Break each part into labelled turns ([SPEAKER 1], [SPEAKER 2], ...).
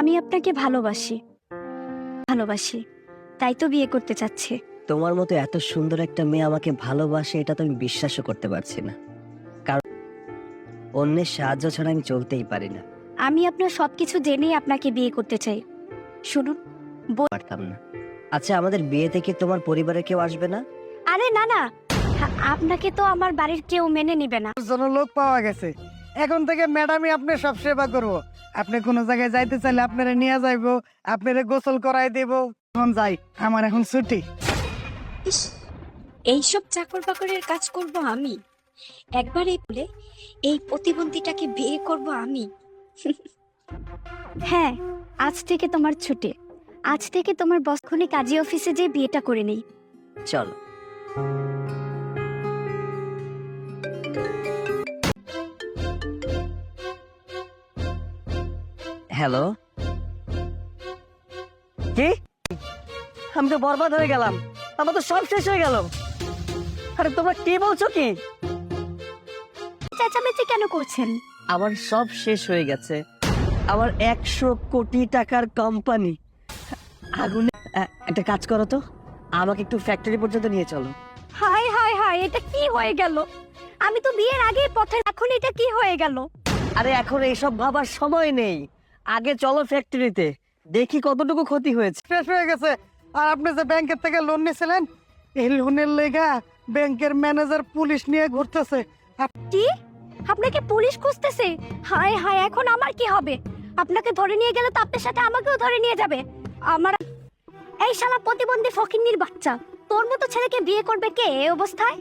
[SPEAKER 1] আমি আপনাকে ভালোবাসি ভালোবাসি তাই তো বিয়ে করতে চাচ্ছি।
[SPEAKER 2] তোমার মতো এত সুন্দর একটা মেয়ে আমাকে ভালোবাসে এটা তো আমি বিশ্বাসও করতে পারছি না, কারণ অন্যের সাহায্য ছাড়া আমি চলতেই পারি না।
[SPEAKER 1] আমি আপনার সবকিছু জেনেই আপনাকে বিয়ে করতে চাই। শুনুন,
[SPEAKER 2] পারতাম না। আচ্ছা, আমাদের বিয়েতে কি তোমার পরিবারের কেউ আসবে না?
[SPEAKER 1] আরে না না, আপনাকে তো আমার বাড়ির কেউ মেনে নিবে না।
[SPEAKER 3] জন্য লোক পাওয়া গেছে, এখন থেকে ম্যাডামই আপনি সব সেবা করবো। আপনি কোনো জায়গায় যাইতে চাইলে আপনারা নিয়ে যাইবো, আপনারা গোসল করাই দেব। এখন যাই, আমার এখন ছুটি।
[SPEAKER 1] এইসব চাকর বাকরের কাজ করব আমি, একবারই বলে এই প্রতিবন্ধীটাকে বিয়ে করব আমি। হ্যাঁ, আজ থেকে তোমার ছুটি। আজ থেকে তোমার বসখনি কাজী অফিসে যেয়ে বিয়েটা করে নেই।
[SPEAKER 2] চলো। হ্যালো, কি? আমি তো বরবাদ হয়ে গেলাম, আমার তো সব শেষ হয়ে গেল। আরে তোমরা কি বলছো কি?
[SPEAKER 1] চেঁচামেচি কেন করছেন?
[SPEAKER 2] আমার সব শেষ হয়ে গেছে। আমার 100 কোটি টাকার কোম্পানি আগুনে। একটা কাজ করো তো, আমাকে একটু ফ্যাক্টরি পর্যন্ত নিয়ে চলো।
[SPEAKER 1] হায় হায় হায়, এটা কি হয়ে গেল? আমি তো বিয়ের আগে পথে, এখন এটা কি হয়ে গেল?
[SPEAKER 2] আরে এখন এইসব ভাবার সময় নেই, আগে চলো ফ্যাক্টরিতে, দেখি কতটুকু ক্ষতি হয়েছে।
[SPEAKER 3] শেষ হয়ে গেছে। আর আপনি যে ব্যাংকের থেকে লোন নিয়েছিলেন, এই লোনের লেগা ব্যাংকের ম্যানেজার পুলিশ নিয়ে ঘুরতেছে।
[SPEAKER 1] কি? আপনাকে পুলিশ খুঁজতেছে? হায় হায়, এখন আমার কি হবে? আপনাকে ধরে নিয়ে গেলে তো আপনার সাথে আমাকেও ধরে নিয়ে যাবে। আমার এই শালা প্রতিবন্ধী ফকিন্নির বাচ্চা, তোর মতো ছেলেকে বিয়ে করবে কে এই অবস্থায়?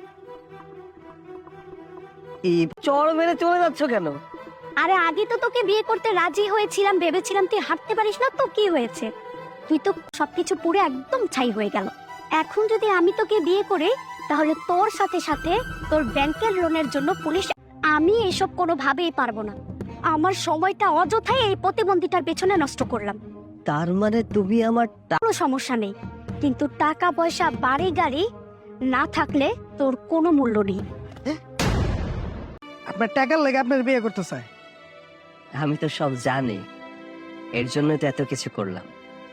[SPEAKER 2] এই চড় মেরে চলে যাচ্ছ কেন?
[SPEAKER 1] আরে আগে তো তোকে বিয়ে করতে রাজি হয়েছিলাম, ভেবেছিলাম তুই হাঁটতে পারিস না, তো কি হয়েছে? তুই তো সবকিছু পুরো একদম ছাই হয়ে গেল। এখন যদি আমি তোকে বিয়ে করি, তাহলে তোর সাথে সাথে তোর ব্যাংকের লোনের জন্য পুলিশ। আমি এসব কোনোভাবেই পারবো না। আমার সময়টা অযথাই এই প্রতিবন্ধীটার পেছনে নষ্ট করলাম।
[SPEAKER 2] তার মানে তুমি আমার
[SPEAKER 1] কোনো সমস্যা নেই, কিন্তু টাকা পয়সা বাড়ি গাড়ি না থাকলে তোর কোনো মূল্য নেই।
[SPEAKER 3] আপনার টাকার লেগে আপনার বিয়ে করতে চায়।
[SPEAKER 2] আমি তো সব জানি, এর জন্য তো এত কিছু করলাম।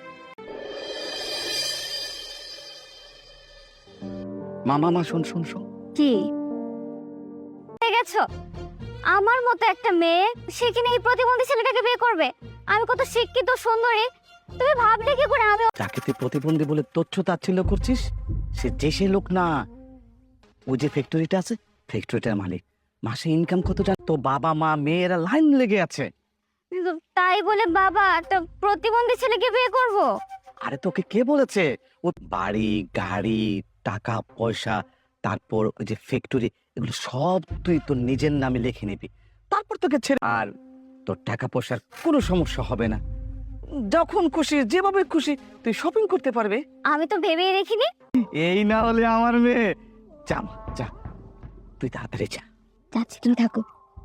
[SPEAKER 3] মা শুন শুন শুন।
[SPEAKER 1] কি গেছো? আমার মতো একটা মেয়ে, সে কিনা এই প্রতিবন্ধী ছেলেটাকে বিয়ে করবে? আমি কত শিক্ষিত সুন্দরী, তুমি ভাবলে কি করে আমি?
[SPEAKER 4] যাকে তুই প্রতিবন্ধী বলে তথ্য তাচ্ছিল্য করছিস, সে দেশে লোক না। ওই যে ফ্যাক্টরিটা আছে, ফ্যাক্টরিটার মালিক। মাসে ইনকাম কত জান? তো বাবা মা মেয়েরা লাইন লেগে আছে।
[SPEAKER 1] তাই বলে বাবা একটা প্রতিবন্ধী ছেলেকে বিয়ে করব?
[SPEAKER 4] আরে তোকে কে বলেছে? ও বাড়ি গাড়ি টাকা পয়সা, তারপর ওই যে ফ্যাক্টরি, এগুলো সব তুই তোর নিজের নামে লিখে নিবি, তারপর তোকে ছেড়ে। আর তোর টাকা পয়সার কোনো সমস্যা হবে না, যখন খুশি যেভাবে খুশি তুই শপিং করতে পারবে।
[SPEAKER 1] আমি তো ভেবেই দেখিনি।
[SPEAKER 4] এই না হলে আমার মেয়ে। যা মা, যা, তুই তাড়াতাড়ি যা।
[SPEAKER 1] যাচ্ছি, তুমি থাকো।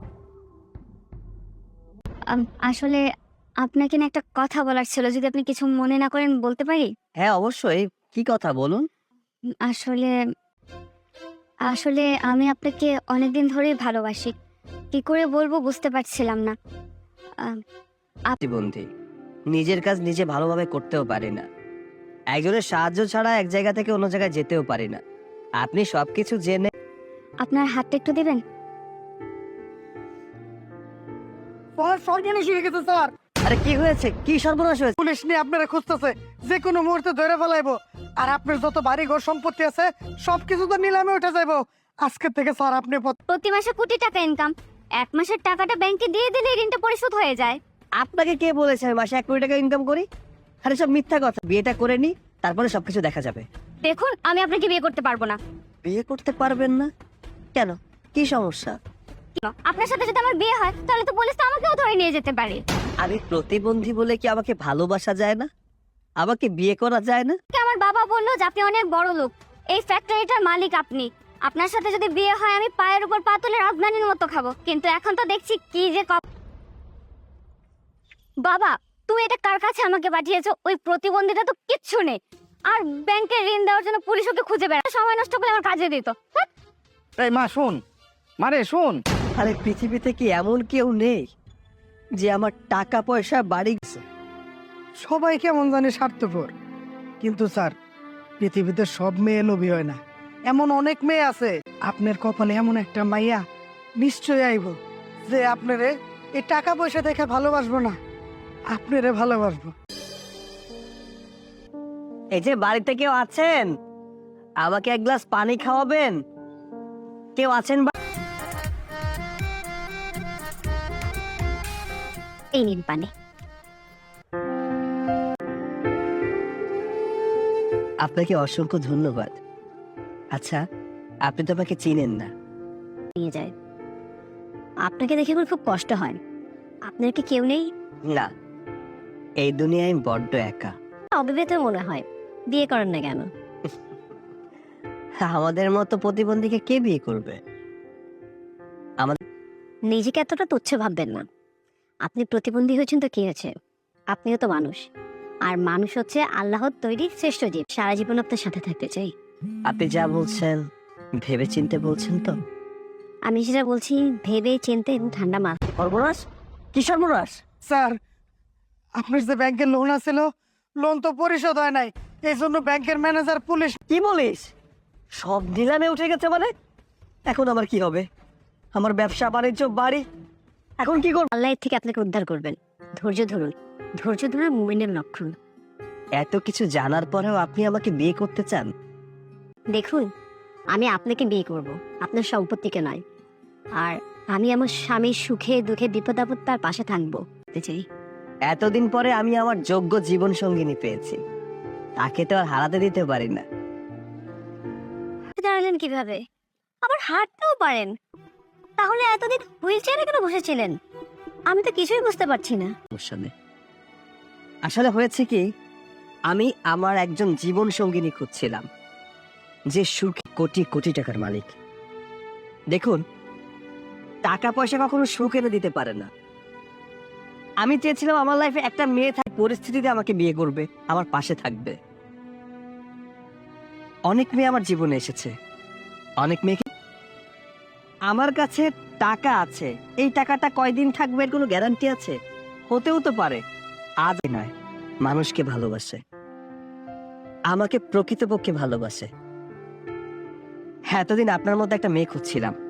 [SPEAKER 1] আসলে আপনাকে না একটা কথা বলার ছিল, যদি আপনি কিছু মনে না করেন বলতে পারি?
[SPEAKER 2] হ্যাঁ অবশ্যই, কি কথা বলুন।
[SPEAKER 1] আসলে আসলে আমি আপনাকে অনেকদিন ধরেই ভালোবাসি, কি করে বলবো বুঝতে পারছিলাম না।
[SPEAKER 2] প্রতিবন্ধী, নিজের কাজ নিজে ভালোভাবে করতেও পারি না, একজনের সাহায্য ছাড়া এক জায়গা থেকে অন্য জায়গায় যেতেও পারি না। আপনি সবকিছু জেনে
[SPEAKER 1] আপনার হাতটা একটু দিবেন?
[SPEAKER 3] সর্বনাশ হয়ে গেছে স্যার।
[SPEAKER 2] আরে কি হয়েছে? কি সর্বনাশ হয়েছে?
[SPEAKER 3] পুলিশ নিয়ে আপনারা খুঁজতেছে, যে কোনো মুহূর্তে ধরে ফেলাইবো। আর আপনার যত বাড়ি ঘর সম্পত্তি আছে সবকিছু তো নিলামে উঠে যাইবো। আজকে থেকে স্যার আপনি
[SPEAKER 1] প্রতি মাসে কোটি টাকা ইনকাম, এক মাসের টাকাটা ব্যাংকে দিয়ে দিলে ঋণটা পরিশোধ হয়ে যায়।
[SPEAKER 2] আপনাকে কে বলেছে আমি মাসে 1 কোটি টাকা ইনকাম করি? আরে সব মিথ্যা কথা। বিয়েটা করে নি, তারপরে সবকিছু দেখা যাবে।
[SPEAKER 1] দেখুন, আমি আপনাকে বিয়ে করতে পারবো না।
[SPEAKER 2] বিয়ে করতে পারবেন না কেন? কি সমস্যা?
[SPEAKER 1] আপনার সাথে যদি আমার বিয়ে হয়, তাহলে তো পুলিশ তো আমাকেও ধরে নিয়ে যেতে পারে।
[SPEAKER 2] আমি প্রতিবন্ধী বলে কি আমাকে ভালোবাসা যায় না? আমাকে বিয়ে করা যায় না?
[SPEAKER 1] আমার বাবা বললো যে আপনি অনেক বড় লোক, এই ফ্যাক্টরিটার মালিক আপনি। আপনার সাথে যদি বিয়ে হয়, আমি পায়ের উপর পা তুলে রাজধানীর মতো খাবো। কিন্তু এখন তো দেখছি কি যে বাবা, তুমি এটা কার কাছে আমাকে পাঠিয়েছো? ওই প্রতিবন্ধীটা তো কিচ্ছু নেই, আর ব্যাংকের ঋণ দেওয়ার জন্য পুলিশ ওকে খুঁজে বেড়ায়। সময় নষ্ট করে আমার কাজে দিত।
[SPEAKER 4] এই মা শোন, মারে শোন।
[SPEAKER 2] আরে পৃথিবীতে কি এমন কেউ নেই যে আমার টাকা পয়সা বাড়ি গেছে?
[SPEAKER 3] সবাই কেমন জানি স্বার্থপর। কিন্তু স্যার, পৃথিবীতে সব মেয়ে লোভী হয় না। এমন অনেক মেয়ে আছে, আপনার কপালে এমন একটা মাইয়া নিশ্চয়ই আইব যে আপনারে এই টাকা পয়সা দেখে ভালোবাসবো না, আপনারে ভালোবাসবো।
[SPEAKER 2] এই যে বাড়িতে কেউ আছেন, আমাকে এক গ্লাস পানি খাওয়াবেন? কেউ আছেন?
[SPEAKER 1] এই নিন পানি।
[SPEAKER 2] আপনাকে অসংখ্য ধন্যবাদ। আচ্ছা, আপনি তো আমাকে চিনেন না।
[SPEAKER 1] নিয়ে যায়। আপনাকে দেখে আমার খুব কষ্ট হয়। আপনার কি কেউ নেই?
[SPEAKER 2] না, এই দুনিয়ায় আমি বড্ড একা।
[SPEAKER 1] অবিবাহিত মনে হয়, বিয়ে করেন না কেন?
[SPEAKER 2] আমাদের মতো প্রতিবন্ধীকে কে বিয়ে করবে?
[SPEAKER 1] নিজেকে এতটা তুচ্ছ ভাববেন না। আপনি প্রতিবন্ধী হয়েছেন তো কি হয়েছে, আপনিও তো মানুষ। আর মানুষ হচ্ছে আল্লাহর তৈরি শ্রেষ্ঠ জীব। সারা জীবন আপনার সাথে থাকতে চাই।
[SPEAKER 2] আপনি যা বলছেন ভেবে চিনতে বলছেন তো?
[SPEAKER 1] আমি যেটা বলছি ভেবে চিনতে এবং ঠান্ডা মাথা।
[SPEAKER 2] সর্বনাশ! কি সর্বনাশ?
[SPEAKER 3] স্যার, আপনার যে ব্যাংকের লোন আছিল, লোন তো পরিশোধ হয় নাই। এই জন্য ব্যাংকের ম্যানেজার পুলিশ।
[SPEAKER 2] কি বলিস? সব নিলামে উঠে গেছে মানে? এখন আমার কি হবে? আমার ব্যবসা বাণিজ্য বাড়ি, এখন কি করব?
[SPEAKER 1] আল্লাহ এর থেকে আপনাকে উদ্ধার করবেন। ধৈর্য ধরুন। ধৈর্য ধরে মুমিনের লক্ষণ।
[SPEAKER 2] এত কিছু জানার পরেও আপনি আমাকে বিয়ে করতে চান?
[SPEAKER 1] দেখুন, আমি আপনাকে বিয়ে করব, আপনার সম্পত্তিকে নয়। আর আমি আমার স্বামীর সুখে দুঃখে বিপদ আপদ তার পাশে থাকবো চাই।
[SPEAKER 2] এতদিন পরে আমি আমার যোগ্য জীবন সঙ্গিনী পেয়েছি, তাকে তো আর হারাতে দিতে পারি না।
[SPEAKER 1] দাঁড়ালেন কিভাবে? আবার হাঁটতেও পারেন, তাহলে এতদিন হুইল চেয়ারে কেন বসেছিলেন? আমি তো কিছুই বুঝতে পারছি না।
[SPEAKER 2] সমস্যা নেই। আসলে হয়েছে কি, আমি আমার একজন জীবন সঙ্গিনী খুঁজছিলাম, যে সুখী কোটি কোটি টাকার মালিক। দেখুন, টাকা পয়সা কখনো সুখ এনে দিতে পারে না। আমি চেয়েছিলাম আমার লাইফে একটা মেয়ে পরিস্থিতিতে আমাকে বিয়ে করবে, আমার পাশে থাকবে। অনেক মেয়ে আমার জীবনে এসেছে, অনেক মেয়েকে। আমার কাছে টাকা আছে, এই টাকাটা কয়দিন থাকবে এর কোনো গ্যারান্টি আছে? হতেও তো পারে আজ নয়। মানুষকে ভালোবাসে, আমাকে প্রকৃতপক্ষে ভালোবাসে। হ্যাঁ, এতদিন আপনার মধ্যে একটা মেয়ে খুঁজছিলাম,